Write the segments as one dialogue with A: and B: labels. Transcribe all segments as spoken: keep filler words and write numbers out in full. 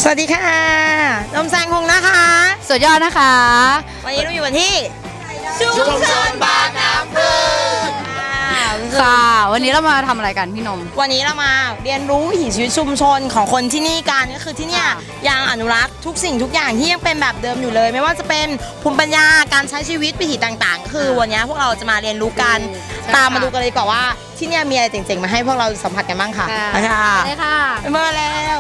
A: วัสดีค่ะนมแซงคงนะคะ
B: สุดยอดนะคะ
A: วันนี้เราอยู่กันที่ชุมชนบางน้ำพึ่ง
B: ค่ะวันนี้เรามาทำอะไรกันพี่นม
A: วันนี้เรามาเรียนรู้วิถีชีวิตชุมชนของคนที่นี่กันก็คือที่เนี่ยยังอนุรักษ์ทุกสิ่งทุกอย่างที่ยังเป็นแบบเดิมอยู่เลยไม่ว่าจะเป็นภูมิปัญญาการใช้ชีวิตวิถีต่างๆคือวันนี้พวกเราจะมาเรียนรู้กันตามมาดูกันเลยดีกว่าว่าที่เนี่ยมีอะไรเจ๋งๆมาให้พวกเราสัมผัสกันบ้างค่ะค่ะ
B: ได้ค่ะ
A: มาแล้ว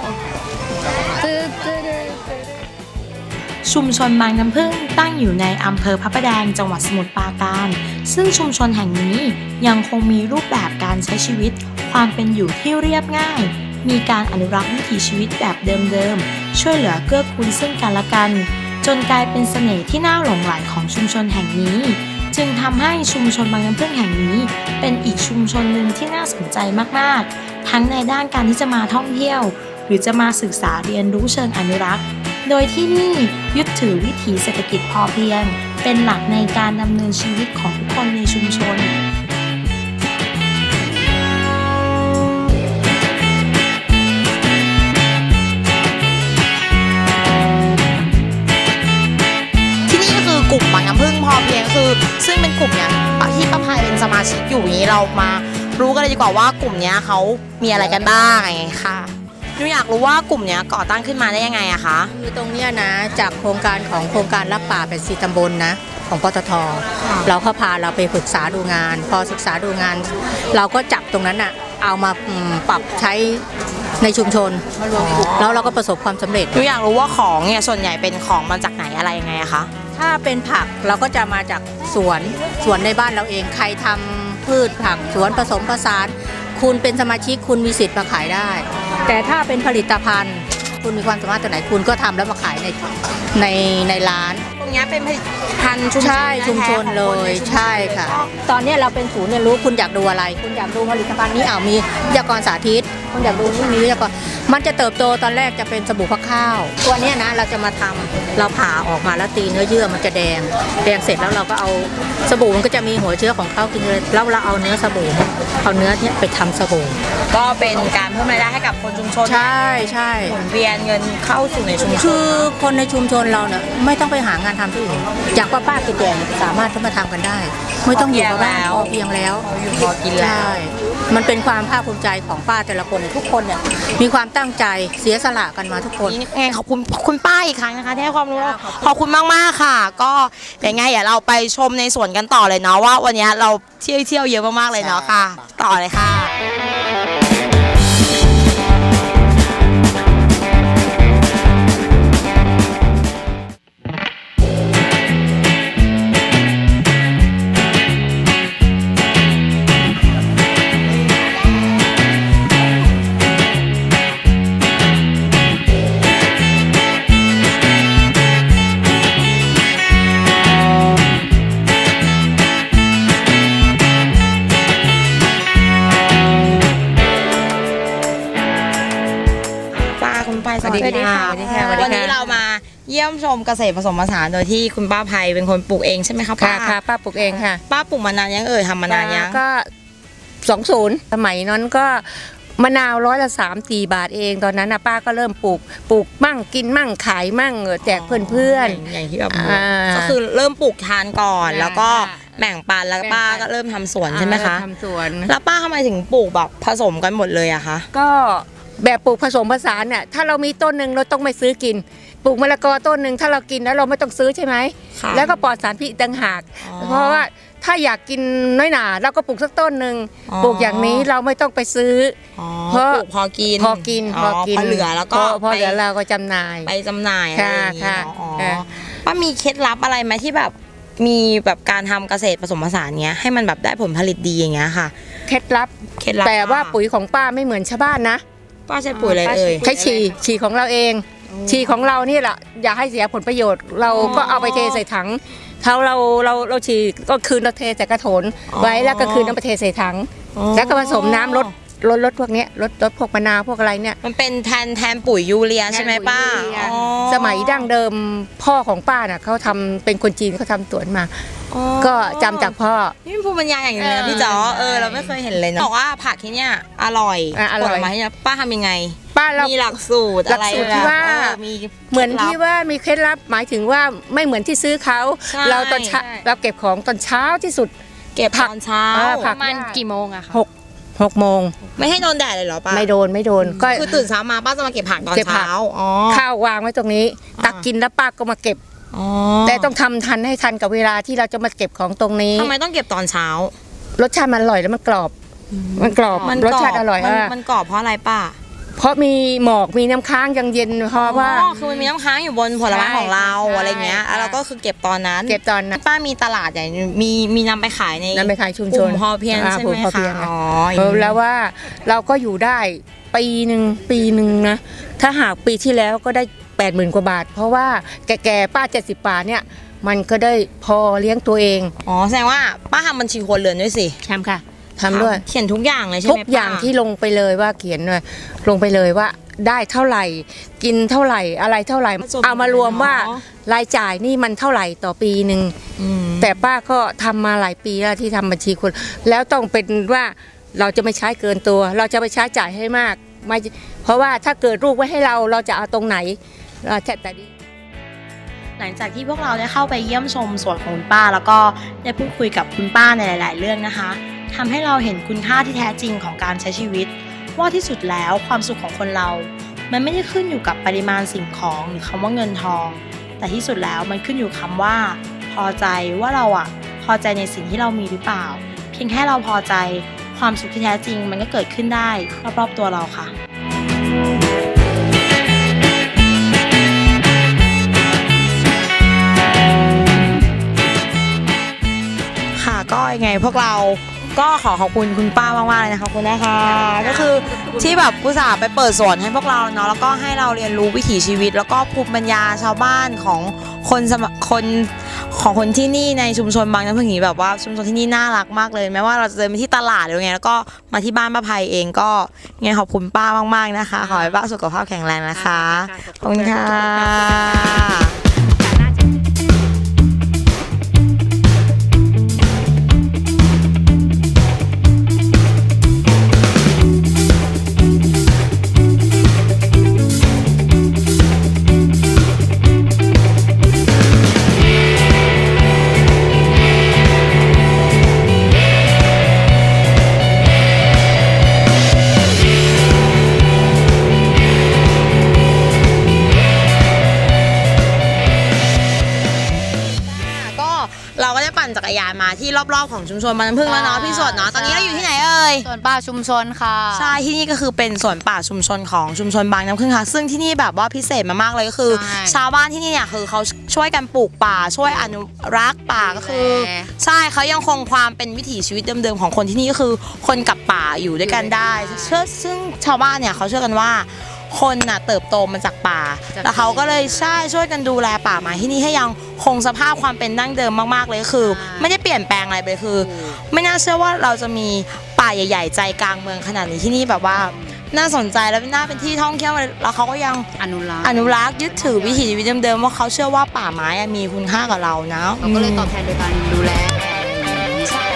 A: ชุมชนบางน้ำพึ่งตั้งอยู่ในอำเภอพระประแดงจังหวัดสมุทรปราการซึ่งชุมชนแห่งนี้ยังคงมีรูปแบบการใช้ชีวิตความเป็นอยู่ที่เรียบง่ายมีการอนุรักษ์วิถีชีวิตแบบเดิมๆช่วยเหลือเกื้อกูลซึ่งกันและกันจนกลายเป็นเสน่ห์ที่น่าหลงไหลของชุมชนแห่งนี้จึงทำให้ชุมชนบางน้ำพึ่งแห่งนี้เป็นอีกชุมชนหนึ่งที่น่าสนใจมากๆทั้งในด้านการที่จะมาท่องเที่ยวหรือจะมาศึกษาเรียนรู้เชิงอนุรักษ์โดยที่นี่ยึดถือวิถีเศรษฐกิจพอเพียงเป็นหลักในการดำเนินชีวิตของทุกคนในชุมชนที่นี่ก็คือกลุ่มบางน้ำพึ่งพอเพียงคือซึ่งเป็นกลุ่มเนี้ยที่ป้าภัยเป็นสมาชิกอยู่นี้เรามารู้กันเลยดีกว่าว่ากลุ่มเนี้ยเขามีอะไรกันบ้างไงค่ะหนูอยากรู้ว่ากลุ่มนี้ก่อตั้งขึ้นมาได้ยังไงอะคะ
C: คือตรงนี้นะจากโครงการของโครงการรับป่าเป็นสี่ตำบลนะของปตท.เราเขาพาเราไปศึกษาดูงานพอศึกษาดูงานเราก็จับตรงนั้นอะเอามาปรับใช้ในชุมชนแล้วเราก็ประสบความสำเร็จ
A: หนูอยากรู้ว่าของเนี่ยส่วนใหญ่เป็นของมาจากไหนอะไรยังไงอะคะ
C: ถ้าเป็นผักเราก็จะมาจากสวนสวนในบ้านเราเองใครทำพืชผักสวนผสมผสานคุณเป็นสมาชิกคุณมีสิทธิ์มาขายได้แต่ถ้าเป็นผลิตภัณฑ์คุณมีความสามารถตัวไหนคุณก็ทำแล้วมาขายในในในร้าน
A: ตรงนี้เป็นผลิตภัณฑ์ชุมชน
C: ใช่ชุมชนเลยใช่ค่ะตอนนี้เราเป็นศูนย์เรียนรู้คุณอยากดูอะไรคุณอยากดูผลิตภัณฑ์นี้อ้าวมีวิทยากรสาธิตคุณอยากดูนี่มีวิทยากรมันจะเติบโตตอนแรกจะเป็นสบู่ฟักข้าวตัวนี้นะเราจะมาทำเราผ่าออกมาแล้วตีเนื้อเยื่อมันจะแดงแดงเสร็จแล้วเราก็เอาสบู่มันก็จะมีหัวเชื้อของเขากินเลยแล้วเราเอาเนื้อสบู่เอาเนื้อเนี้ยไปทำสบู่
A: ก็เป็นการเพิ่มรายได้ให้กับคนชุมชน
C: ใช่ใช่
A: หมุนเวียนเงินเข้าสู่ในชุมชน
C: คือคนในชุมชนเราเนี่ยไม่ต้องไปหางานทำที่อื่นอย่างป้าป้าแก่ๆสามารถเข้ามาทำกันได้ไม่ต้องอยู่กับบ้านเพียงแล้ว
A: อยู่พอกินแล้ว
C: มันเป็นความภาคภูมิใจของป้าแต่ละคนทุกคนเนี่ยมีความตั้งใจเสียสละกันมาทุกคน
A: ไงขอบคุณคุณป้าอีกครั้งนะคะที่ให้ความรู้ขอบคุณมากๆค่ะก็อย่างไงเดี๋ยวเราไปชมในสวนกันต่อเลยเนาะว่าวันนี้เราเที่ยวเที่ยวเยอะมากๆเลยเนาะค่ะต่อเลยค่ะสวัสดีค่ะวันนี้เรามาเยี่ยมชมเกษตรผสมผสานโดยที่คุณป้าภัยเป็นคนปลูกเองใช่ไหมคะป้า
C: ค่ะป้าปลูกเองค่ะ
A: ป้าปลูกมานานยังเอ่ยทำมานานยัง
C: ก็สองศูนย์สมัยนั้นก็มะนาวร้อยละสามสี่บาทเองตอนนั้นนะป้าก็เริ่มปลูกปลูกมั่งกินมั่งขายมั่งแจกเพื่อน
A: ๆอย่างที่แบบก็คือเริ่มปลูกทานก่อนแล้วก็แบ่งปันแล้วป้าก็เริ่มทำสวนใช่ไหมคะ
C: ทำสวน
A: แล้วป้าทำไมถึงปลูกแบบผสมกันหมดเลยอะคะ
C: ก็แบบปลูกผสมผสานเนี่ยถ้าเรามีต้นหนึ่งเราต้องไม่ซื้อกินปลูกมะละกอต้นหนึ่งถ้าเรากินแล้วเราไม่ต้องซื้อใช่ไหมแล้วก็ปลอดสารพิษต่างหากเพราะว่าถ้าอยากกินน้อยหนาเราก็ปลูกสักต้นหนึ่งปลูกอย่างนี้เราไม่ต้องไปซื้อ
A: เพราะพอกิน
C: พอกินพอกิน
A: พอเหลือแล้วก็
C: พอเหลือเราก็จำหน่าย
A: ไปจำหน่ายอะไรอย่างเงี้ยป้ามีเคล็ดลับอะไรไหมที่แบบมีแบบการทำเกษตรผสมผสานเนี้ยให้มันแบบได้ผลผลิตดีอย่างเงี้ยค่ะ
C: เคล็ดลับ
A: เคล็ดลับ
C: แต่ว่าปุ๋ยของป้าไม่เหมือนชาวบ้านนะ
A: ป้าใช้ปุ๋ยอะไรเอ่ย
C: ใช้ฉี่ฉี่ของเราเองฉี่ของเรานี่แหละอย่าให้เสียผลประโยชน์เราก็เอาไปเทใส่ถังเท่าเราเราเราฉี่ก็คืนเราเทใส่กระโถนไว้แล้วก็คืนน้ำไปเทใส่ถังแล้วก็ผสมน้ำลดลดลดพวกเนี้ยลดลดพวกมะนาวพวกอะไรเนี่ย
A: มันเป็นแทนแทนปุ๋ยยูเรียใช่ไหมป้าอ๋อ
C: สมัยดั้งเดิมพ่อของป้าน่ะเขาทำเป็นคนจีนเขาทำสวนมา
A: อ๋อ
C: ก็จำจากพ่อ
A: นี่เป็นภูมิปัญญาอย่างหนึงเลยนะพี่จ๋อเออเราไม่เคยเห็นเลยเนาะบอกว่าผักที่เนี่ยอร่อย
C: อ่ะอร่อย
A: ผลไม้ที่เนี่ยป้าทำยังไง
C: ป้าเรา
A: มีหลักสูตรอะไร
C: หลักสูตรที่ว่า
A: เออมี
C: เหมือนที่ว่ามีเคล็ดลับหมายถึงว่าไม่เหมือนที่ซื้อเขา
A: ใช่
C: เราตอนเช้า
A: ใช่
C: เราเก็บของตอนเช้าที่สุด
A: เก็บ
C: ผัก
A: ตอนเช้า
C: เออผั
B: ประมาณกี่โมงอะคะ
C: หกหกโมง
A: ไม่ให้โดนแดดเลยเหรอป้า
C: ไม่โดนไม่โดนก็
A: คือตื่นเช้ามาป้าจะมาเก็บผักตอน
C: เก็บผัก
A: เช้าอ๋อ
C: ข้าววางไว้ตรงนี้
A: อ่า
C: ตักกินแล้วป้าก็มาเก็บ
A: อ๋อ
C: แต่ต้องทำทันให้ทันกับเวลาที่เราจะมาเก็บของตรงนี้
A: ทำไมต้องเก็บตอนเช้า
C: รสชาติมันอร่อยแล้วมันกรอบ มันกรอบ
A: มัน
C: รสชาติอร่อย
A: มัน
C: อ่ะ
A: มันกรอบเพราะอะไรป้า
C: เพราะมีหมอกมีน้ำค้างยังเย็นเพราะว่า
A: อ๋อคือมันมีน้ำค้างอยู่บนผลไม้ของเรา
C: ใช่
A: อะไรเงี้ย
C: ใช่
A: แล้วเราก็คือเก็บตอนนั้น
C: เก็บตอนนั้น
A: ป้ามีตลาดใหญ่มีมีนำไปขายใน
C: นำไปขายชุม
A: ก
C: ช
A: ลุ่
C: น
A: มพอเพียง
C: อ่า
A: ใช่
C: กลุ่
A: ไห
C: ม
A: ม
C: พอเพีย
A: คะ
C: ง
A: อ๋อ
C: เออแล้วว่าเราก็อยู่ได้ปีหนึ่งปีหนึ่งนะถ้าหากปีที่แล้วก็ได้แปดหมื่นกว่าบาท เพราะว่าแก่ๆป้าเจ็ดสิบบาทเนี่ยมันก็ได้พอเลี้ยงตัวเอง
A: อ๋อแสดงว่าป้าทำบัญชีครัวเรือนด้วยสิ
C: ทำค่ะทำด้วย
A: เขียนทุกอย่างเลยใช่ไหม
C: ทุกอย่างที่ลงไปเลยว่าเขียนเลยลงไปเลยว่าได้เท่าไหร่ กินเท่าไหร่อะไรเท่าไหร่เอามารวมว่ารายจ่ายนี่มันเท่าไหร่ต่อปีหนึ่ง
A: อืม
C: แต่ป้าก็ทำมาหลายปีแล้วที่ทำบัญชีคนแล้วต้องเป็นว่าเราจะไม่ใช้เกินตัว เราจะไปใช้จ่ายให้มากไม่เพราะว่าถ้าเกิดลูกไว้ให้เราเราจะเอาตรงไหนเราแต่แต่ดี
A: หลังจากที่พวกเราได้เข้าไปเยี่ยมชมสวนของคุณป้า แล้วก็ได้พูดคุยกับคุณป้าในหลาย ๆ เรื่องนะคะทำให้เราเห็นคุณค่าที่แท้จริงของการใช้ชีวิต ว่าที่สุดแล้วความสุขของคนเรา มันไม่ได้ขึ้นอยู่กับปริมาณสิ่งของหรือคำว่าเงินทอง แต่ที่สุดแล้วมันขึ้นอยู่คำว่า พอใจว่าเราอะพอใจในสิ่งที่เรามีหรือเปล่า เพียงแค่เราพอใจความสุขที่แท้จริง มันก็เกิดขึ้นได้รอบ ๆ ตัวเราค่ะ ค่ะก็ยังไงพวกเราก็ขอขอบคุณคุณป้ามากๆเลยนะคะขอบคุณนะคะก็คือที่แบบอุตส่าห์ไปเปิดสวนให้พวกเราเนาะแล้วก็ให้เราเรียนรู้วิถีชีวิต แล้วก็ภูมิปัญญาชาวบ้านของคนสมคนของคนที่นี่ในชุมชนบางน้ำพึ่งอย่างนี้แบบว่าชุมชนที่นี่น่ารักมากเลยแม้ว่าเราจะเดินไปที่ตลาดหรือไงแล้วก็มาที่บ้านป้าภัยเองก็ไงขอบคุณป้ามากๆนะคะขอให้ป้าสุขภาพแข็งแรงนะคะขอบคุณค่ะ ก็เราก็ได้ปั่นจักรยานมาที่รอบๆของชุมชนบางน้ำพึ่งแล้วเนาะพี่สดเนาะตอนนี้เราอยู่ที่ไหนเอ่ย
B: ส่วนป่าชุมชนค่ะ
A: ใช่ที่นี่ก็คือเป็นสวนป่าชุมชนของชุมชนบางน้ำพึ่งค่ะซึ่งที่นี่แบบว่าพิเศษมากๆเลยก็คือ
B: ใช่
A: ชาวบ้านที่นี่เนี่ยคือเขาช่วยกันปลูกป่าช่วยอนุรักษ์ป่าก็คือ
B: ดูแล
A: ใช่เขายังคงความเป็นวิถีชีวิตเดิมๆของคนที่นี่ก็คือคนกับป่าอยู่ด้วยกันได้เชื่อซึ่งชาวบ้านเนี่ยเขาเชื่อกันว่าคนน่ะเติบโตมาจากป่า
B: จาก
A: แล้วเขาก็เลยใช่ช่วยกันดูแลป่าไม้ที่นี่ให้ยังคงสภาพความเป็นดั้งเดิมมากๆเลยคือ ไม่ได้เปลี่ยนแปลงอะไรไปเลยคือ ไม่น่าเชื่อว่าเราจะมีป่าใหญ่ ๆ ใจกลางเมืองขนาดนี้ที่นี่แบบว่าน่าสนใจแล้วน่าเป็นที่ท่องเที่ยวแล้วเขาก็ยัง
B: อนุรักษ์
A: อนุรักษ์ยึดถือวิถีชีวิตเดิมๆว่าเขาเชื่อว่าป่าไม้อะมีคุณค่ากับเรานะ
B: เราก็เลยตอบแทนโดยการดูแล
A: ใช่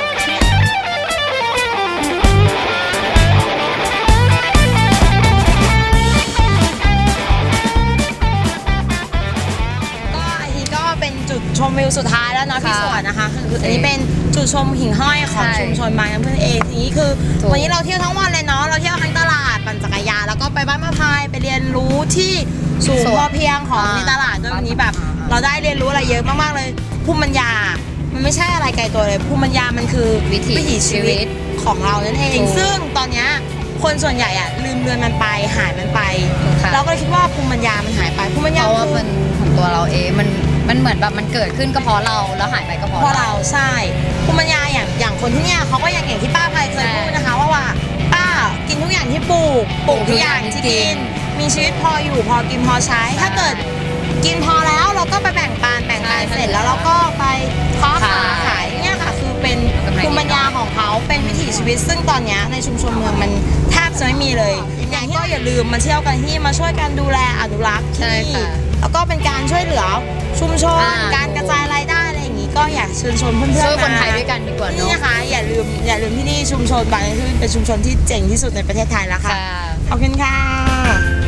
A: ก็อันนี้ก็เป็นจุดชมวิวสุดท้ายแล้วเนาะพี่
B: ค่ะ
A: สวนนะคะคืออันนี้เป็นจุดชมหิ่งห้อยของ
B: ใช่
A: ชุมชนบางน้ำพึ่งเองทีนี้คือ
B: ถูก
A: วันนี้เราเที่ยวทั้งวันเลยเนาะเราเที่ยวทั้งตลาดปั่นจักรยานแล้วก็ไปบ้านมะพร้าวไปเรียนรู้ที่ศูนย์พอเพียงของในตลาดด้วยวันนี้แบบ เราได้เรียนรู้อะไรเยอะมากๆเลยภูมิปัญญา มันไม่ใช่อะไรไกลตัวเลยภูมิปัญญามันคือ
B: วิถีชีวิต
A: ของเรานั่นเอง
B: ถูก
A: ซึ่งตอนเนี้ยคนส่วนใหญ่อะลืมเลือนมันไปหายมันไป
B: ค่ะ
A: เราก็เลยคิดว่าภูมิปัญญามันหายไปภูมิปัญ
B: เพ
A: ญา
B: ราะว่า
A: คือ
B: มันของตัวเราเองมันมันเหมือนแบบมันเกิดขึ้นก็เพราะเราแล้วหายไปก็เพราะ
A: เพราะ
B: เรา
A: เราใช่ภูมิปัญญาอย่างอย่างคนที่เนี่ยเขาก็ยังอย่างที่ป้าภัยเคย
B: ใช่
A: พูดนะคะว่าว่าป้ากินทุกอย่างที่ปลูกปลูกทุกอย่างที่กิน มีชีวิตพออยู่พอกินพอใช้ ถ้าเกิดกินพอแล้วเราก็ไปแบ่งปันแบ่งปันเสร็จแล้วเราก็ไปค้าขายขายเนี่ยค่ะคือเป็นภูมิปัญญาของเขาเป็นวิถีชีวิต ซึ่งตอนเนี้ยในชุมชนเมืองมันแทบจะไม่มีเลยอย่างที่เราอย่าลืมมาเที่ยวกันที่มาช่วยกันดูแลอนุรักษ์ที่
B: ใช่
A: นี่
B: ค่ะ
A: แล้วก็เป็นการช่วยเหลือชุมชน
B: อ่า
A: การกระจายรายได้อะไรอย่างนี้ก็อยากเชิญชวนเพื่อนๆ
B: ช่วยคน
A: มา
B: ไทยด้วยกันดีกว่า
A: นี่
B: เนาะ
A: นะคะอย่าลืมอย่าลืมที่นี่ชุมชนบางที่เป็นชุมชนที่เจ๋งที่สุดในประเทศไทยแล้วค่ะ
B: ค่ะ
A: ขอบคุณค่ะ